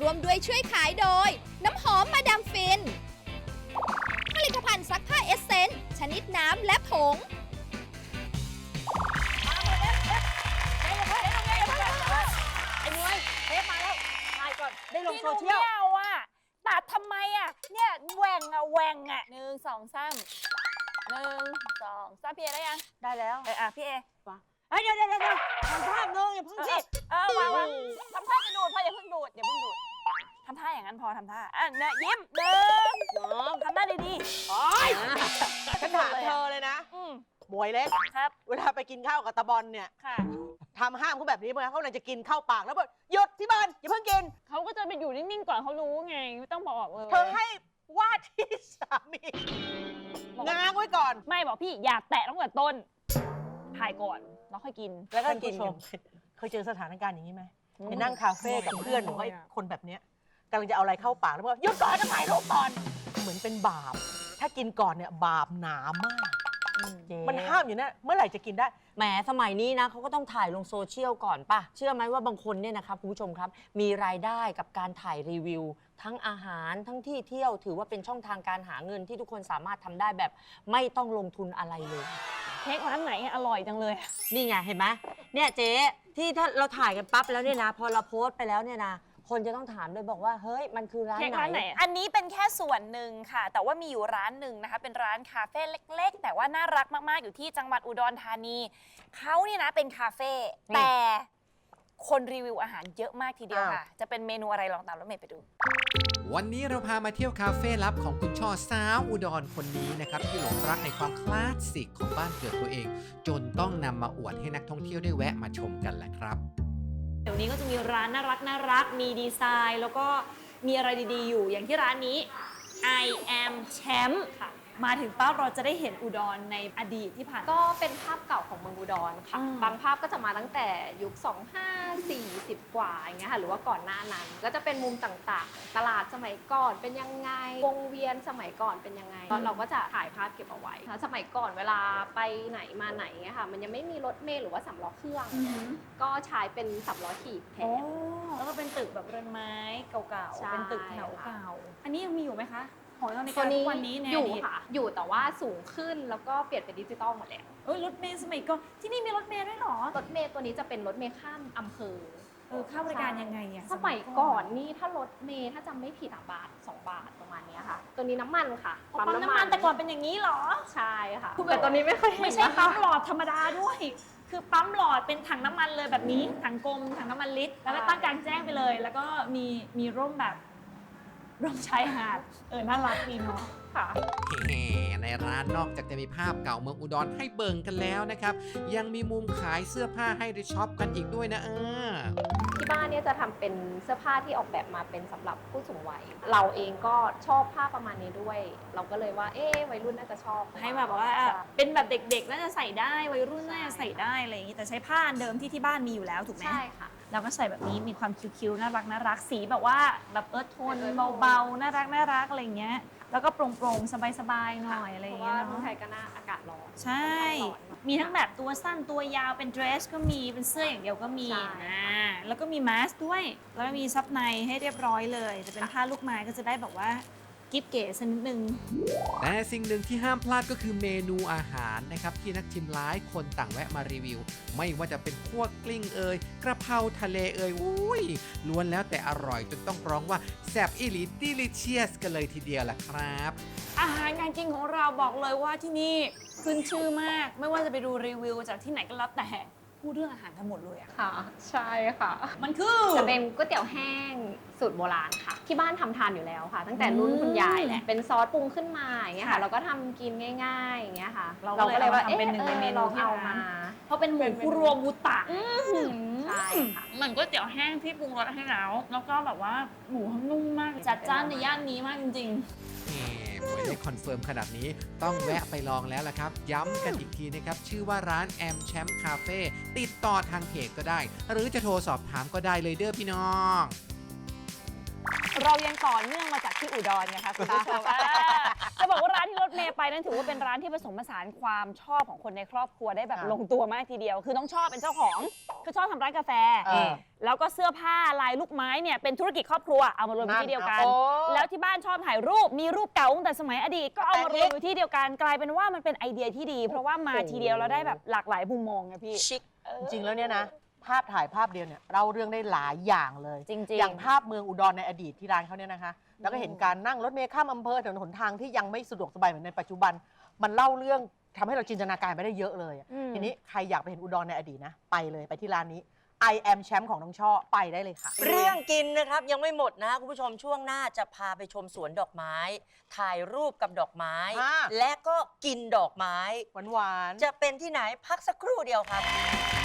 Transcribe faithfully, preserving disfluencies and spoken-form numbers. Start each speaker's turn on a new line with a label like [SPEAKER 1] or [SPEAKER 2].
[SPEAKER 1] ร่วมด้วยช่วยขายโดยน้ำหอมมาดามฟินผลิตภัณฑ์ซักผ้าเอสเซนส์ชนิดน้ำและผง
[SPEAKER 2] ไอ้มวยเทปมาแล้วถ่ายก่อนได้ลงโซเชียล
[SPEAKER 3] ไม่เอาอ่ะตัดทำไมอ่ะเนี่ยแหว่งอ่ะแหว่งอ่ะหนึ่งสองสามหนึ่งสองสามพี่เอได้ยัง
[SPEAKER 2] ได้แล้ว
[SPEAKER 3] เอออ่ะพี่เอ
[SPEAKER 2] เฮ้ยเดี๋ยวเดี๋ยวเดี๋ยวทำภาพนึงอย่าเพิ่งสิ
[SPEAKER 3] เออวางวางทำท่าจะดูดพออย่าเพิ่งดูดอย่าเพิ่งดูดทำท่าอย่างนั้นพอทำท่าอ่ะเนี่ยยิ้มเดิน
[SPEAKER 2] น้อง
[SPEAKER 3] ทำหน้าดีๆโอ๊ย
[SPEAKER 4] ฉันถามเธอเลยนะ
[SPEAKER 3] อืม
[SPEAKER 4] บวยเล็ก
[SPEAKER 3] ครับ
[SPEAKER 4] เวลาไปกินข้าวกับตาบอลเนี่ย
[SPEAKER 3] ค่ะ
[SPEAKER 4] ทำห้ามเขาแบบนี้เมื่อเขากำลังจะกินข้าวปากแล้วบอกหยุดที่บ้านอย่าเพิ่งกิน
[SPEAKER 3] เขาก็จะไปอยู่นิ่งๆก่อนเขารู้ไงไม่ต้องบอกเลย
[SPEAKER 4] เธอให้ว่าที่สามีง้างไว้ก่อน
[SPEAKER 3] ไม่บอกพี่อย่าแตะตั้งแต่ต้นถ่ายก่อนแล้วค่อยกิน
[SPEAKER 4] แล้วก็กินกันเคยเจอสถานการณ์อย่างนี้ไหมไปนั่งคาเฟ่กับเพื่อนหรือว่าคนแบบเนี้ยกำลังจะเอาอะไรเข้าปากแล้วบอกหยุดก่อนจะถ่ายรูปก่อนเหมือนเป็นบาป ถ้ากินก่อนเนี่ยบาปหนามาก มันห้ามอยู่นะเมื่อไหร่จะกินได้
[SPEAKER 2] แหมสมัยนี้นะเขาก็ต้องถ่ายลงโซเชียลก่อนป่ะ เชื่อไหมว่าบางคนเนี่ยนะครับคุณผู้ชมครับ มีรายได้กับการถ่ายรีวิว ทั้งอาหารทั้งที่เที่ยวถือว่าเป็นช่องทางการหาเงินที่ทุกคนสามารถทำได้แบบไม่ต้องลงทุนอะไรเลย
[SPEAKER 3] เค้กร้านไหนอร่อยจังเลย
[SPEAKER 2] นี่ไงเห็นไหมเนี่ยเจ๊ที่ถ้าเราถ่ายกันปั๊บแล้วเนี่ยนะ พอเราโพสต์ไปแล้วเนี่ยนะคนจะต้องถามเลยบอกว่าเฮ้ยมันคือร้าน
[SPEAKER 3] เค้ก
[SPEAKER 2] ไหน
[SPEAKER 3] ร้านไหน อันนี้เป็นแค่ส่วนหนึ่งค่ะ แต่ว่ามีอยู่ร้านหนึ่งนะคะ เป็นร้านคาเฟ่เล็ก ๆ แต่ว่าน่ารักมาก ๆ อยู่ที่จังหวัดอุดรธานี เขาเนี่ยนะเป็นคาเฟ่แต่คนรีวิวอาหารเยอะมากทีเดียวค่ะ จะเป็นเมนูอะไรลองตามรถเมย์ไปดู
[SPEAKER 5] วันนี้เราพามาเที่ยวคาเฟ่ลับของคุณช่อสาวอุดรคนนี้นะครับที่หลงรักในความคลาสสิกของบ้านเกิดตัวเอง จนต้องนำมาอวดให้นักท่องเที่ยวได้แวะมาชมกันแหละครับ
[SPEAKER 3] เดี๋ยวนี้ก็จะมีร้านน่ารักน่ารัก มีดีไซน์ แล้วก็มีอะไรดีๆ อยู่ อย่างที่ร้านนี้ I am Champ ค่ะ มาถึงปั๊บเราจะได้เห็นอุดรในอดีตที่ผ่าน
[SPEAKER 6] ก็เป็นภาพเก่าของเมืองอุดรค่ะ
[SPEAKER 3] อืม
[SPEAKER 6] บางภาพก็จะมาตั้งแต่ยุค สองพันห้าร้อยสี่สิบ กว่าอย่างเงี้ยค่ะ หรือว่าก่อนหน้านั้น ก็จะเป็นมุมต่างๆ ตลาดสมัยก่อนเป็นยังไง วงเวียนสมัยก่อนเป็นยังไง เราก็จะถ่ายภาพเก็บเอาไว้สมัยก่อนเวลาไปไหนมาไหนเงี้ยค่ะ มันยังไม่มีรถเมล์หรือว่าสำล้อเครื่อง ก็ใช้เป็นสำล้อถีบแท
[SPEAKER 3] โอ้
[SPEAKER 6] น
[SPEAKER 3] แล้วก็เป็นตึกแบบเรือนไม้เก่า
[SPEAKER 6] ใช่
[SPEAKER 3] ๆ เป็นตึกแถวเก่า อันนี้ยังมีอยู่ไหมคะ ของเราใน
[SPEAKER 6] ตัว
[SPEAKER 3] การทุ
[SPEAKER 6] นี้
[SPEAKER 3] กวันนี้ใน
[SPEAKER 6] อ
[SPEAKER 3] อยู่ ดีต
[SPEAKER 6] ค่ะ อยู่แต่ว่าสูงขึ้นแล้วก็เปลี่ยนเป็นดิจิตอลหมดแล้ว
[SPEAKER 3] เอ้ยรถเมล์สมัยก่อน ที่นี่มีรถเมล์ด้วยเหรอ
[SPEAKER 6] รถเมล์ตัวนี้จะเป็นรถเมล์ข้ามอำเภอ
[SPEAKER 3] เออค่าบริการยังไงอะ
[SPEAKER 6] สมัยก่อนนี่ถ้ารถเมล์ถ้าจำไม่ผิดอะบาทสองบาทประมาณเนี้ยค่ะ ตัวนี้น้ำมันค่ะ
[SPEAKER 3] ปั๊มน้ำมันแต่ก่อนเป็นอย่างนี้เหรอ
[SPEAKER 6] ใช่ค่ะ
[SPEAKER 3] คือแบบ
[SPEAKER 6] แต่ตัวนี้ไม่เคยเห็น
[SPEAKER 3] ไม่ใช่
[SPEAKER 6] นะคะ
[SPEAKER 3] ปั๊มหลอดธรรมดาด้วย คือปั๊มหลอดเป็นถังน้ำมันเลยแบบนี้ ถังกลม ถังน้ำมันลิตร แล้วก็ตั้งกลางแจ้งไปเลย แล้วก็มีมีร่มแบบร่มชายหาด เออ น่ารักดีเนาะ
[SPEAKER 6] ค่ะ
[SPEAKER 5] แหมในร้านนอกจากจะมีภาพเก่าเมืองอุดรให้เบิ่งกันแล้วนะครับ ยังมีมุมขายเสื้อผ้าให้ได้ช็อปกันอีกด้วยนะเออ
[SPEAKER 6] ที่บ้านเนี่ยจะทำเป็นเสื้อผ้าที่ออกแบบมาเป็นสำหรับผู้สูงวัย เราเองก็ชอบผ้าประมาณนี้ด้วย เราก็เลยว่า เอ๊ะวัยรุ่นน่าจะชอบ
[SPEAKER 3] ให้แบบว่า
[SPEAKER 6] ใช่
[SPEAKER 3] เป็นแบบเด็กๆน่าจะใส่ได้ วัยรุ่นน่าจะใส่ได้อะไรอย่างนี้ แต่ใช้ผ้าอันเดิมที่ที่บ้านมีอยู่แล้วถูกไหม
[SPEAKER 6] ใช่ค่ะ
[SPEAKER 3] เราก็ใส่แบบนี้มีความคิ้วๆน่ารักน่ารักสีแบบว่าแบบเอิร์ธโทนเบาๆน่ารักน่ารักอะไรอย่างเงี้ยแล้วก็โปร่งๆสบายๆหน่อยอะไรอย่างเงี้ย
[SPEAKER 6] เพราะว่าเมือง
[SPEAKER 3] เนาะ
[SPEAKER 6] ไทยก็น่าอากาศร้อน
[SPEAKER 3] ใช่ มีทั้งแบบตัวสั้นตัวยาวเป็นเดรสก็มีเป็นเสื้ออย่างเดียวก็มี
[SPEAKER 6] ใช่
[SPEAKER 3] นะแล้วก็มีมาสก์ด้วย แล้วก็มีซับในให้เรียบร้อยเลยจะเป็นผ้าลูกไม้ก็จะได้แบบว่ากิ๊บเก๋สักนิดนึง
[SPEAKER 5] แต่สิ่งหนึ่งที่ห้ามพลาดก็คือเมนูอาหารนะครับที่นักชิมหลายคนต่างแวะมารีวิว ไม่ว่าจะเป็นคั่วกลิ้งเอ่ยกระเพราทะเลเอ่ยอุ้ยล้วนแล้วแต่อร่อยจนต้องร้องว่าแซ่บอีหลีดิลิเชียสกันเลยทีเดียวล่ะครับ
[SPEAKER 3] อาหารการกินของเราบอกเลยว่าที่นี่ขึ้นชื่อมาก ไม่ว่าจะไปดูรีวิวจากที่ไหนก็แล้วแต่พูดเรื่องอาหารทั้งหมดเลยอะ
[SPEAKER 6] ค่ะ ใช่ค่ะ
[SPEAKER 3] มันคือ
[SPEAKER 6] จะเป็นก๋วยเตี๋ยวแห้งสูตรโบราณค่ะ ที่บ้านทำทานอยู่แล้วค่ะ ตั้งแต่รุ่นคุณยายแหละเป็นซอสปรุงขึ้นมาอย่างเงี้ยค่ะ
[SPEAKER 3] ค่ะ
[SPEAKER 6] เราก็ทำกินง่ายๆอย่างเงี้ยค่ะ
[SPEAKER 3] เราก็เลย
[SPEAKER 6] ว่า
[SPEAKER 3] เอามาทำเป็นหนึ่งในเมนู
[SPEAKER 6] ลอง
[SPEAKER 3] ที่
[SPEAKER 6] เอา
[SPEAKER 3] ร้าน
[SPEAKER 6] มา
[SPEAKER 3] เพราะเป็นหมูคุโรบุตะ
[SPEAKER 6] ใช่ค่ะ
[SPEAKER 3] เหมือนก๋วยเตี๋ยวแห้งที่ปรุงรสให้แล้ว แล้วก็แบบว่าหมูเขานุ่มมาก จัดจ้านในย่านนี้มากจริง
[SPEAKER 5] แหมหมวยได้คอนเฟิร์มขนาดนี้ต้องแวะไปลองแล้วล่ะครับ ย้ำกันอีกทีนะครับ ชื่อว่าร้านแอมแชมป์คาเฟ่ติดต่อทางเพจก็ได้ หรือจะโทรสอบถามก็ได้เลยเด้อพี่น้อง
[SPEAKER 3] เรายังต่อเนื่องมาจากที่อุดรไงคะคุณผู้ชมอ่าจะบอกว่าร้านที่รถเมย์ไปนั้นถือว่าเป็นร้านที่ผสมผสานความชอบของคนในครอบครัวได้แบบ
[SPEAKER 4] ค่ะ
[SPEAKER 3] ลงตัวมากทีเดียว คือน้องชอบเป็นเจ้าของคือชอบทำร้านกาแฟ
[SPEAKER 4] เออ
[SPEAKER 3] แล้วก็เสื้อผ้าลายลูกไม้เนี่ยเป็นธุรกิจครอบครัวเอามารวมอยู่ที่เดียวกัน
[SPEAKER 4] โอ้
[SPEAKER 3] แล้วที่บ้านชอบถ่ายรูปมีรูปเก่าตั้งแต่สมัยอดีตก็เอามารวมอยู่ที่เดียวกันกลายเป็นว่ามันเป็นไอเดียที่ดี เพราะว่ามาทีเดียวเราได้แบบหลากหลายมุมมองไงพี่
[SPEAKER 2] ชิค
[SPEAKER 4] จริงๆแล้วเนี่ยนะ ภาพถ่ายภาพเดียวเนี่ยเล่าเรื่องได้หลายอย่างเลย
[SPEAKER 3] จริงๆ
[SPEAKER 4] อย่างภาพเมืองอุดรในอดีตที่ร้านเขาเนี่ยนะคะ แล้วก็เห็นการนั่งรถเมล์ข้ามอำเภอถนนหนทางที่ยังไม่สะดวกสบายเหมือนในปัจจุบัน มันเล่าเรื่องทำให้เราจินตนาการไปได้เยอะเลยอะ
[SPEAKER 3] อืม
[SPEAKER 4] ทีนี้ใครอยากไปเห็นอุดรในอดีตนะ ไปเลยไปที่ร้านนี้ I am แชมป์ของน้องช่อไปได้เลยค่ะ
[SPEAKER 2] เรื่องกินนะครับยังไม่หมดนะคุณผู้ชมช่วงหน้าจะพาไปชมสวนดอกไม้ ถ่ายรูปกับดอกไม้
[SPEAKER 4] อ่า
[SPEAKER 2] และก็กินดอกไม้
[SPEAKER 4] หวานๆ
[SPEAKER 2] จะเป็นที่ไหนพักสักครู่เดียวครับ